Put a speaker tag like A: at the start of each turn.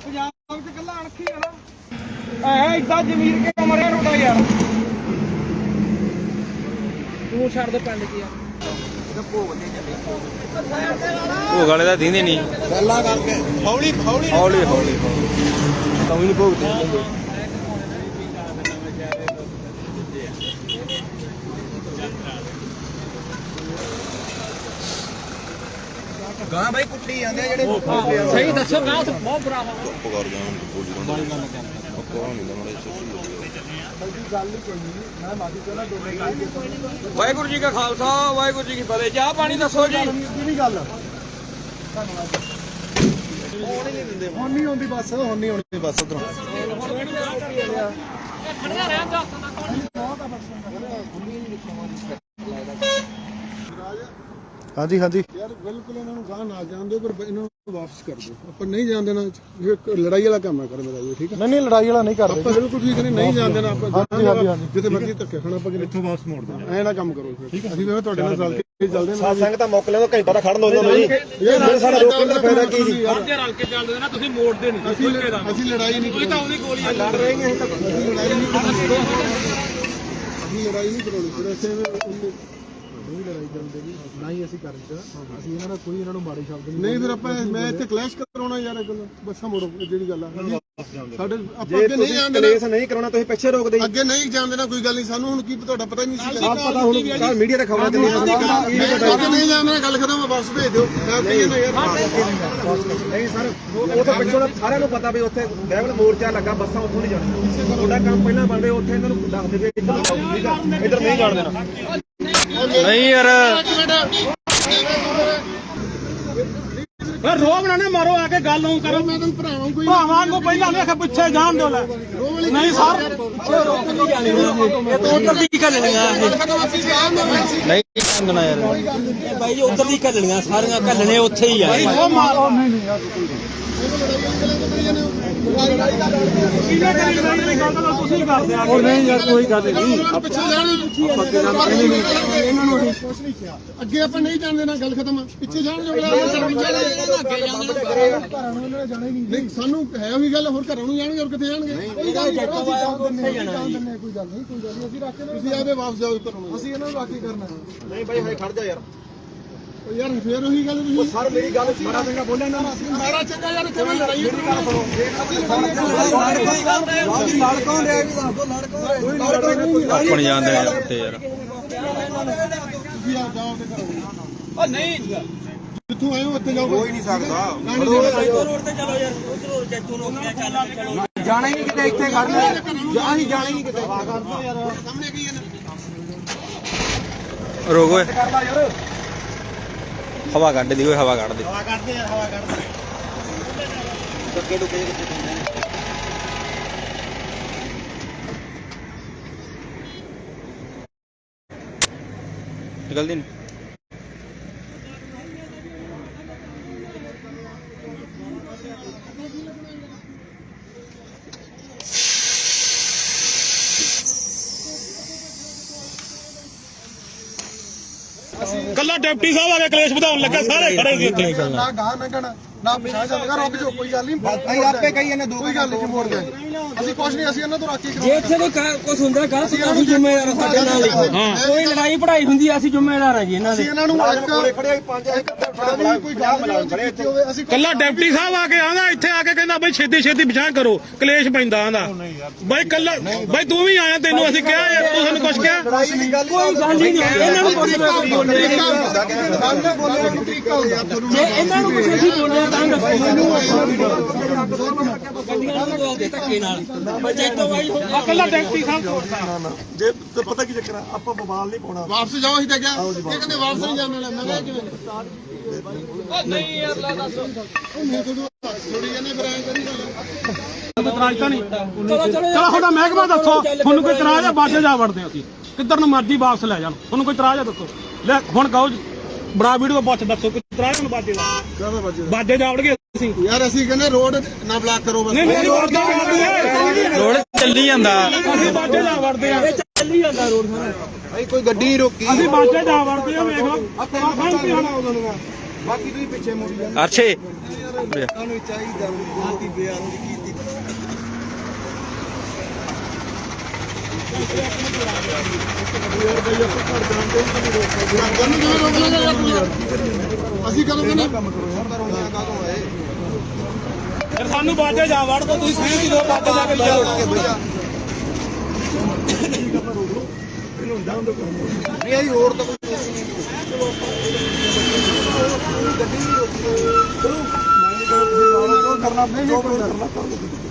A: ਪੰਜਾਬ ਚ ਕੱਲਾ ਅਣਖੀ ਆ ਨਾ ਐ ਇਦਾਂ ਜ਼ਮੀਰ ਕੇ ਮਰਿਆ ਰੋਡਾ ਯਾਰ ਤੂੰ ਛੱਡ ਦੇ ਪਿੰਡ ਕੀ ਆ
B: ਭੋਗ ਵਾਲੇ ਤਾਂ ਦਿੰਦੇ ਨਹੀਂ
A: ਗੱਲਾਂ ਕਰਕੇ ਹੌਲੀ ਹੌਲੀ
B: ਹੌਲੀ ਹੌਲੀ ਤਾਂ ਵੀ ਨਹੀਂ ਭੋਗਦੇ
A: ਗਾਂ ਬਾਈ ਕੁੱਟੀ ਜਾਂਦੇ ਆ ਜਿਹੜੇ ਸਹੀ ਦੱਸੋ ਗਾਂ ਉੱਥੇ ਬਹੁਤ ਬੁਰਾ ਹਾਲ
C: ਚੁੱਪ ਕਰ ਜਾ ਬੋਲੀ ਨਾ ਕੋਣ ਨਹੀਂ ਲਮੜੇ
A: ਗੱਲ ਹੀ ਕੋਈ ਨਹੀਂ ਮੈਂ ਮਾਫੀ ਚਾਹਣਾ ਦੋਵੇਂ
B: ਵਾਹਿਗੁਰੂ ਜੀ ਕਾ ਖਾਲਸਾ ਵਾਹਿਗੁਰੂ ਜੀ ਕੀ ਫਤਿਹ ਚਾਹ ਪਾਣੀ ਦੱਸੋ ਜੀ
A: ਕਿਹੜੀ ਗੱਲ ਧੰਨਵਾਦ ਹੁਣ ਨਹੀਂ ਆਉਂਦੀ ਬੱਸ ਹੁਣ ਨਹੀਂ ਆਉਂਦੀ ਬੱਸ ਉਧਰੋਂ ਖੜਦਾ ਰਹਿ ਜਾ ਹਾਂਜੀ ਹਾਂਜੀ ਯਾਰ ਬਿਲਕੁਲ ਇਹਨਾਂ ਨੂੰ ਗਾਹ ਨਾ ਜਾਣ ਦਿਓ ਪਰ ਇਹਨਾਂ ਨੂੰ ਵਾਪਸ ਕਰ ਦਿਓ ਆਪਾਂ ਨਹੀਂ ਜਾਣ ਦੇਣਾ ਇਹ ਲੜਾਈ ਵਾਲਾ ਕੰਮ ਹੈ ਕਰ ਮੇਰਾ ਜੀ ਠੀਕ ਹੈ ਨਹੀਂ ਲੜਾਈ ਵਾਲਾ ਨਹੀਂ ਕਰਦੇ ਆਪਾਂ ਬਿਲਕੁਲ ਠੀਕ ਨਹੀਂ ਜਾਣ ਦੇਣਾ ਆਪਾਂ ਜਿੱਥੇ ਮਰਜ਼ੀ ਧੱਕੇ ਖਾਣਾ ਆਪਾਂ ਇੱਥੋਂ ਵਾਪਸ ਮੋੜ ਦੇਣਾ ਐ ਨਾ ਕੰਮ ਕਰੋ ਫਿਰ ਅਸੀਂ ਵੀ ਤੁਹਾਡੇ ਨਾਲ ਰਲ ਕੇ ਚੱਲਦੇ ਹਾਂ ਸੰਗ ਤਾਂ ਮੁੱਕ ਲਿਆ ਘੰਟਾ ਤਾਂ ਖੜਨ ਦੋ ਉਹਨਾਂ ਨੂੰ ਜੀ ਇਹ ਸਾਡਾ ਰੋਕਣ ਦਾ ਫਾਇਦਾ ਕੀ ਜੀ
B: ਰਲ ਕੇ ਚੱਲਦੇ ਨਾ ਤੁਸੀਂ ਮੋੜਦੇ ਨਹੀਂ
A: ਅਸੀਂ ਲੜਾਈ ਨਹੀਂ ਕੋਈ ਤਾਂ ਉਹਦੀ ਗੋਲੀ ਲੜ ਰਹੇ ਹਾਂ ਅਸੀਂ ਲੜਾਈ ਨਹੀਂ ਕਰਾਉਣੀ ਫਿਰ ਅਸੀਂ ਨਹੀਂ ਲੜਾਈ ਕਰਦੇ ਜੀ ਨਾ ਹੀ ਅਸੀਂ ਕਰਦੇ ਅਸੀਂ ਇਹਨਾਂ ਦਾ ਕੋਈ ਇਹਨਾਂ ਨੂੰ ਮਾੜੇ ਸ਼ਬਦ ਨਹੀਂ ਫਿਰ ਆਪਾਂ ਮੈਂ ਇੱਥੇ ਕਲੈਸ਼ ਕਰਾਉਣਾ ਯਾਰ ਇਹ ਗੱਲ ਬੱਸਾਂ ਮੋੜੋ ਜਿਹੜੀ ਗੱਲ ਆ ਸਾਡੇ ਆਪਾਂ ਅੱਗੇ ਨਹੀਂ ਜਾਂਦੇ ਕਲੇਸ਼ ਨਹੀਂ ਕਰਾਉਣਾ ਤੁਸੀਂ ਪਿੱਛੇ ਰੋਕਦੇ ਅੱਗੇ ਨਹੀਂ ਜਾਂਦੇ ਨਾ ਕੋਈ ਗੱਲ ਨਹੀਂ ਸਾਨੂੰ ਹੁਣ ਕੀ ਤੁਹਾਡਾ ਪਤਾ ਹੀ ਨਹੀਂ ਸੀ ਪਤਾ ਹੁਣ ਕੱਲ ਮੀਡੀਆ ਤੇ ਖਬਰਾਂ ਚੱਲੀਆਂ ਨਹੀਂ ਜਾਂਦੇ ਗੱਲ ਖਤਮ ਵਾਪਸ ਭੇਜ ਦਿਓ ਮੈਂ ਕਹੀ ਨਾ ਯਾਰ ਨਹੀਂ ਸਰ ਉਹ ਤਾਂ ਪਿੱਛੋਂ ਸਾਰਿਆਂ ਨੂੰ ਪਤਾ ਵੀ ਉੱਥੇ ਲੈਵਲ ਮੋਰਚਾ ਲੱਗਾ ਬੱਸਾਂ ਉੱਥੋਂ ਨਹੀਂ ਜਾਣੀਆਂ ਤੁਹਾਡਾ ਕੰਮ ਪਹਿਲਾਂ ਬਣਦੇ ਉੱਥੇ ਇਹਨਾਂ ਨੂੰ ਦੱਸ ਦੇਵੇ ਇੱਧਰ ਨਹੀਂ ਜਾਣ ਦੇਣਾ
B: ਨਹੀਂ ਯਾਰ
A: ਰੋਬ ਨਾ ਮਾਰੋ ਆ ਕੇ ਗੱਲ ਨੂੰ ਕਰੋ ਮੈਂ ਤੁਹਾਨੂੰ ਭਰਾਵਾਂ ਨੂੰ ਪਹਿਲਾਂ ਨਹੀਂ ਆਖਿਆ ਪਿੱਛੇ ਜਾਣ ਦਿਓ ਲੈ ਨਹੀਂ ਸਰ ਪਿੱਛੇ ਰੋਕ ਨਹੀਂ ਜਾਣੀ ਇਹ ਤਾਂ ਉਧਰ ਦੀ ਘੱਲਣੀਆਂ
B: ਨਹੀਂ ਮੰਗਣਾ ਯਾਰ
D: ਭਾਈ ਜੀ ਉਧਰ ਦੀ ਘੱਲਣੀਆਂ ਸਾਰੀਆਂ ਘੱਲਣੇ ਉੱਥੇ ਹੀ ਆ
A: ਉਹ ਮਾਰੋ ਨਹੀਂ ਯਾਰ ਤੁਸੀਂ ਕਰਦੇ ਆ ਨਹੀਂ ਯਾਰ ਕੋਈ ਗੱਲ ਨਹੀਂ ਪਿੱਛੇ ਇਹਨਾਂ ਨੂੰ ਕੁਝ ਨਹੀਂ ਕਿਹਾ ਅੱਗੇ ਆਪਾਂ ਨਹੀਂ ਜਾਣਦੇ ਨਾ ਗੱਲ ਖਤਮ ਪਿੱਛੇ ਜਾਣ ਜੋ ਘਰਾਂ ਨੂੰ ਇਹਨਾਂ ਜਾਣਾ ਹੀ ਨਹੀਂ ਸਾਨੂੰ ਹੈ ਉਹੀ ਗੱਲ ਹੋਰ ਘਰਾਂ ਨੂੰ ਜਾਣਗੇ ਹੋਰ ਕਿੱਥੇ ਜਾਣਗੇ ਕੋਈ ਗੱਲ ਨਹੀਂ ਕੋਈ ਗੱਲ ਨਹੀਂ ਅਸੀਂ ਰੱਖ ਕੇ ਤੁਸੀਂ ਆਵੇ ਵਾਪਸ ਜਾਓ ਘਰੋਂ ਅਸੀਂ ਇਹਨਾਂ ਨੂੰ ਰੱਖ ਕੇ ਕਰਨਾ ਨਹੀਂ ਬਾਈ ਹਾਏ ਖੜ ਜਾ ਯਾਰ ਯਾਰ ਫੇਰ ਉਹੀ ਗੱਲ ਤੁਸੀਂ ਸਰ ਮੇਰੀ ਗੱਲ ਮਾਰਾ ਚੰਗਾ ਬੋਲਿਆ ਨਾ ਮਾਰਾ ਚੰਗਾ ਯਾਰ ਕਿਵੇਂ ਲੜਾਈ ਮੇਰੀ ਗੱਲ ਸੁਣੋ ਲੜ ਕੌਣ ਰਿਹਾ ਵੀ ਦੱਸ ਦੋ ਲੜ ਕੌਣ
B: ਆਪਣ ਜਾਂਦੇ ਯਾਰ ਉੱਤੇ ਯਾਰ
A: ਤੁਸੀਂ ਆ ਜਾਓ ਤੇ ਕਰੋ
D: ਉਹ ਨਹੀਂ
A: ਜਿੱਥੋਂ ਆਏ ਹੋ ਉੱਥੇ ਜਾਓ
C: ਕੋਈ ਨਹੀਂ ਸਕਦਾ
D: ਰੋਡ ਤੇ ਚਲੋ ਯਾਰ ਉਧਰੋਂ ਜੱਟੂ ਨੌਕਰੀਆਂ ਚੱਲ ਚਲੋ
A: ਜਾਣਾ ਹੀ ਨਹੀਂ ਕਿਤੇ ਇੱਥੇ ਖੜਨਾ ਅਸੀਂ ਜਾਣਾ ਹੀ ਨਹੀਂ ਕਿਤੇ ਸਾਹਮਣੇ ਕੀ ਹੈ
B: ਰੋਕ ਓਏ ਹਵਾ ਕੱਢ ਦੀ ਓਏ ਹਵਾ ਕੱਢ ਦੇ
A: ਹਵਾ ਕੱਢਦੇ ਯਾਰ ਹਵਾ ਕੱਢਦੇ
C: ਟੱਕੇ ਟੁੱਕੇ ਕਿੱਥੇ ਪੈਂਦੇ
B: ਨਿਕਲਦੀ ਨਹੀਂ
A: ਕੱਲਾ ਡਿਪਟੀ ਸਾਹਿਬ ਆ ਕੇ ਕਲੇਸ਼ ਵਧਾਉਣ ਲੱਗਾ ਸਾਰੇ ਖੜੇ ਸੀ ਉੱਥੇ ਨਾ ਗਾਹ ਨੰਗਣ ਨਾ ਪਿਛਾਂ ਚੱਲਗਾ ਰੁਕ ਜਾਓ ਕੋਈ ਗੱਲ ਨਹੀਂ ਅਸੀਂ ਆਪੇ ਕਹੀ ਜਾਂਦੇ ਦੋ ਕੋਈ ਗੱਲ ਨਹੀਂ ਮੋੜ ਗਏ ਅਸੀਂ ਕੁਝ ਨਹੀਂ ਅਸੀਂ ਇਹਨਾਂ ਤੋਂ ਰਾਖੀ
D: ਜੇ ਇੱਥੇ ਕੋਈ ਕੁਝ ਹੁੰਦਾ ਗਲਤ ਅਸੀਂ ਜ਼ਿੰਮੇਵਾਰ ਹਾਂ ਸਾਡੇ ਨਾਲ ਹੀ ਕੋਈ ਲੜਾਈ ਪੜਾਈ ਹੁੰਦੀ ਅਸੀਂ ਜ਼ਿੰਮੇਵਾਰ ਹਾਂ ਜੀ ਇਹਨਾਂ ਦੇ
A: ਅਸੀਂ ਇਹਨਾਂ ਨੂੰ ਇੱਕ ਖੜੇ ਪੰਜ ਕੋਈ ਗੱਲ ਖੜੇ ਇੱਥੇ ਹੋਵੇ ਅਸੀਂ
E: ਕੱਲਾ ਡਿਪਟੀ ਸਾਹਿਬ ਆ ਕੇ ਆਂਦਾ ਇੱਥੇ ਆ ਕੇ ਕਹਿੰਦਾ ਬਈ ਛੇਤੀ ਛੇਤੀ ਵਿਚਾਰ ਕਰੋ ਕਲੇਸ਼ ਪੈਂਦਾ ਆਂਦਾ ਬਈ ਕੱਲਾ ਬਈ ਤੂੰ ਵੀ ਆਇਆ ਤੈਨੂੰ ਅਸੀਂ ਕਿਹਾ ਯਾਰ ਤੂੰ ਸਾਨੂੰ ਕੁਝ ਕਿਹਾ
D: ਕੋਈ ਗੱਲ ਹੀ ਨਹੀਂ ਇਹਨਾਂ ਨੂੰ ਕੁਝ ਬੋਲਣੇ ਜੇ ਇਹਨਾਂ ਨੂੰ ਕੁਝ ਅਸੀਂ ਬੋਲਿਆ ਤਾਂ ਗੱਡੀਆਂ ਨੂੰ ਬੋਲਦੇ ਧੱਕੇ ਨਾਲ ਬੱਚੇ ਤੋਂ ਬਾਈ
E: ਕੱਲਾ ਡਿਪਟੀ ਸਾਹਿਬ ਤੋੜਦਾ
A: ਜੇ ਪਤਾ ਕੀ ਚੱਕਰ ਆ ਆਪਾਂ ਬਵਾਲ ਨਹੀਂ ਪਾਉਣਾ ਵਾਪਸ ਜਾਓ ਅਸੀਂ ਤਾਂ ਕਿਹਾ ਇਹ ਕਹਿੰਦੇ ਵਾਪਸ ਨਹੀਂ ਜਾਣ ਵਾਲਾ ਮੈਂ ਕਿਹਾ ਕਿਵੇਂ
E: ਨਹੀਂ ਯਾਰ ਲਾ ਦੱਸ
A: ਮੈਂ ਤੁਹਾਨੂੰ ਥੋੜੀ ਜਿਹੀ ਬਰਾਂਚ ਕਰੀ
E: ਇਤਰਾਜ਼ ਤਾਂ ਨਹੀਂ ਚਲੋ ਤੁਹਾਡਾ ਮਹਿਕਮਾ ਦੱਸੋ ਤੁਹਾਨੂੰ ਕੋਈ ਇਤਰਾਜ਼ ਆ ਬਾਜੇ ਜਾ ਵੜਦੇ ਅਸੀਂ ਕਿੱਧਰ ਨੂੰ ਮਰਜ਼ੀ ਵਾਪਸ ਲੈ ਜਾਣ ਤੁਹਾਨੂੰ ਕੋਈ ਇਤਰਾਜ਼ ਆ ਦੱਸੋ ਲੈ ਹੁਣ ਕਹੋ ਬੜਾ ਵੀਡੀਓ ਪੁੱਛ ਦੱਸੋ ਕੋਈ ਇਤਰਾਜ਼ ਨੂੰ ਬਾਜੇ ਦਾ
A: ਕਾਹਦਾ ਵੱਜਦਾ
E: ਬਾਜੇ ਜਾ ਵੜਗੇ ਅਸੀਂ
A: ਯਾਰ ਅਸੀਂ ਕਹਿੰਦੇ ਰੋਡ ਨਾ ਬਲਾਕ ਕਰੋ ਬਸ
E: ਨਹੀਂ ਰੋਡ ਦਾ
B: ਰੋਡ ਚੱਲੀ ਜਾਂਦਾ
E: ਅਸੀਂ ਬਾਜੇ ਜਾ ਵੜਦੇ ਆ
D: ਚੱਲੀ ਜਾਂਦਾ ਰੋਡ ਸਾਰਾ
A: ਭਾਈ ਕੋਈ ਗੱਡੀ ਨਹੀਂ ਰੋਕੀ
E: ਅਸੀਂ ਬਾਜੇ ਜਾ ਵੜਦੇ ਆ ਵੇਖ ਲਓ
A: ਬਾਕੀ ਤੁਸੀਂ ਪਿੱਛੇ ਮੁੜੀ ਜਾਂਦੇ
B: ਅਰਸ਼ੇ
C: ਤੁਹਾਨੂੰ ਚਾਹੀਦਾ ਬੇਨਤੀ ਬੇਅਦਬੀ ਕੀਤੀ
A: ਅਸੀਂ ਕਰੋਗੇ ਨਾ
E: ਫਿਰ ਸਾਨੂੰ ਬਾਜੇ ਜਾ ਵੜ ਦੋ ਤੁਸੀਂ ਸਹੀ ਦਿਓ ਬਾਜੇ ਜਾ ਕੇ ਲਿਆਓ
C: ਨਹੀਂ ਆਈ ਹੋਰ ਤਾਂ ਕੋਈ
A: ਕਰਨਾ ਨਹੀਂ ਕਰਨਾ